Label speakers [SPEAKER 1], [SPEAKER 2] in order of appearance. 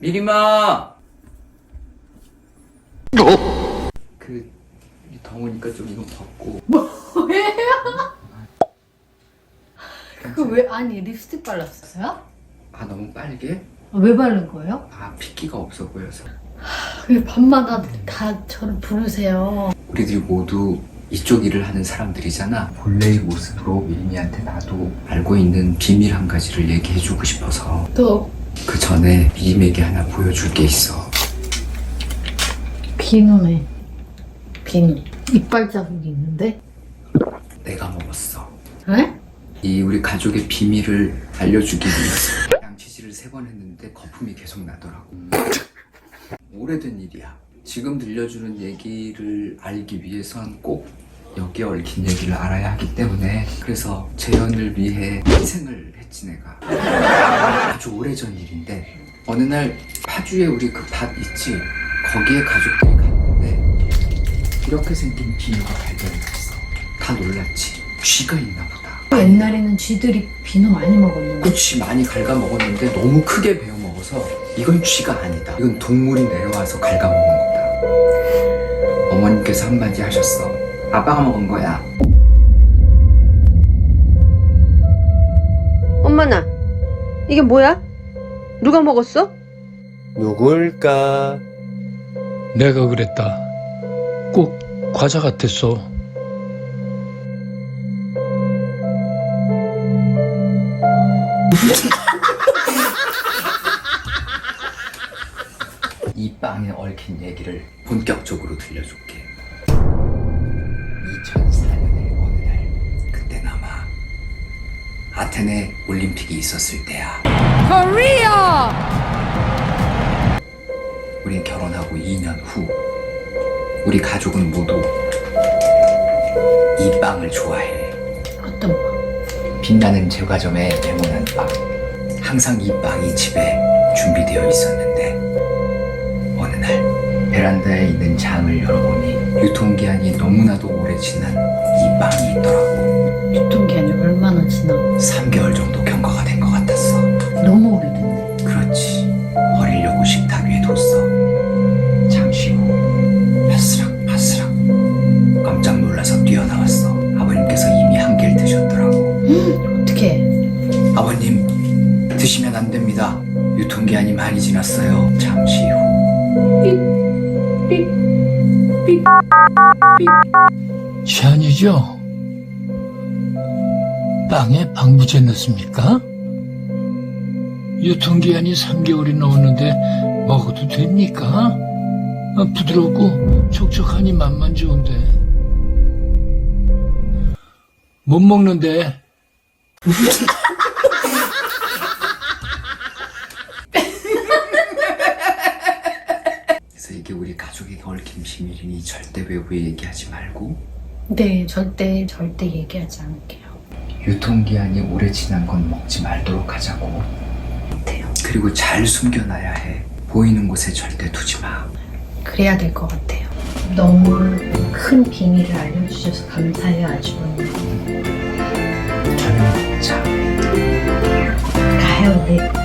[SPEAKER 1] 미리마! 더우니까 좀 이거 벗고.
[SPEAKER 2] 뭐예요? 그거 왜, 아니 립스틱 발랐어요?
[SPEAKER 1] 아, 너무 빨개?
[SPEAKER 2] 왜 바른 거예요?
[SPEAKER 1] 아, 핏기가 없어 보여서.
[SPEAKER 2] 왜 밤마다 다 저를 부르세요?
[SPEAKER 1] 우리들이 모두 이쪽 일을 하는 사람들이잖아. 본래의 모습으로 미리미한테 나도 알고 있는 비밀 한 가지를 얘기해주고 싶어서.
[SPEAKER 2] 또
[SPEAKER 1] 그 전에 미림에게 하나 보여줄 게 있어.
[SPEAKER 2] 비누네. 비누. 이빨 자국이 있는데?
[SPEAKER 1] 내가 먹었어.
[SPEAKER 2] 에?
[SPEAKER 1] 이 우리 가족의 비밀을 알려주기 위해서 양치질을 3번 했는데 거품이 계속 나더라고. 오래된 일이야. 지금 들려주는 얘기를 알기 위해선 꼭 여기에 얽힌 얘기를 알아야 하기 때문에, 그래서 재현을 위해 희생을 했지 내가. 아주 오래전 일인데, 어느 날 파주에 우리 그 밭 있지? 거기에 가족들이 갔는데 이렇게 생긴 비누가 발견이 됐어. 다 놀랐지. 쥐가 있나 보다.
[SPEAKER 2] 옛날에는 쥐들이 비누 많이 먹었는데.
[SPEAKER 1] 그치, 많이 갉아 먹었는데 너무 크게 베어 먹어서 이건 쥐가 아니다. 이건 동물이 내려와서 갉아 먹은 거다. 어머님께서 한마디 하셨어. 아빠가 먹은 거야.
[SPEAKER 3] 엄마나, 이게 뭐야? 누가 먹었어?
[SPEAKER 4] 누굴까?
[SPEAKER 5] 내가 그랬다. 꼭 과자 같았어.
[SPEAKER 1] 이 빵에 얽힌 얘기를 본격적으로 들려줄게. 2004년의 어느 날, 그땐 아마 아테네 올림픽이 있었을 때야.
[SPEAKER 2] 코리아!
[SPEAKER 1] 우린 결혼하고 2년 후, 우리 가족은 모두 이 빵을 좋아해.
[SPEAKER 2] 어떤 거?
[SPEAKER 1] 빛나는 제과점에 내모난 빵. 항상 이 빵이 집에 준비되어 있었는데, 어느 날 베란다에 있는 장을 열어보니 유통기한이 너무나도 오래 지난 이 빵이 있더라고.
[SPEAKER 2] 유통기한이 얼마나 지나?
[SPEAKER 1] 3개월 정도 경과가 된 것 같았어.
[SPEAKER 2] 너무 오래됐네.
[SPEAKER 1] 그렇지. 버리려고 식탁 위에 뒀어. 잠시 후 바스락바스락. 깜짝 놀라서 뛰어나왔어. 아버님께서 이미 한 개를 드셨더라고.
[SPEAKER 2] 어떡해.
[SPEAKER 1] 아버님, 드시면 안 됩니다. 유통기한이 많이 지났어요. 잠시 후.
[SPEAKER 5] 시안이죠? 빵에 방부제 넣습니까? 유통기한이 3개월이 넘었는데 먹어도 됩니까? 부드럽고 촉촉하니 맛만 좋은데. 못 먹는데.
[SPEAKER 1] 그래서 이게 우리 가족에게 얽힌 비밀이니 절대 외부에 얘기하지 말고.
[SPEAKER 2] 네, 절대 얘기하지 않을게요.
[SPEAKER 1] 유통기한이 오래 지난 건 먹지 말도록 하자고.
[SPEAKER 2] 같아요.
[SPEAKER 1] 그리고 잘 숨겨놔야 해. 보이는 곳에 절대 두지 마.
[SPEAKER 2] 그래야 될 것 같아요. 너무 큰 비밀을 알려주셔서 감사해요, 아주버님.
[SPEAKER 1] 저녁 먹자.
[SPEAKER 2] 가요, 네.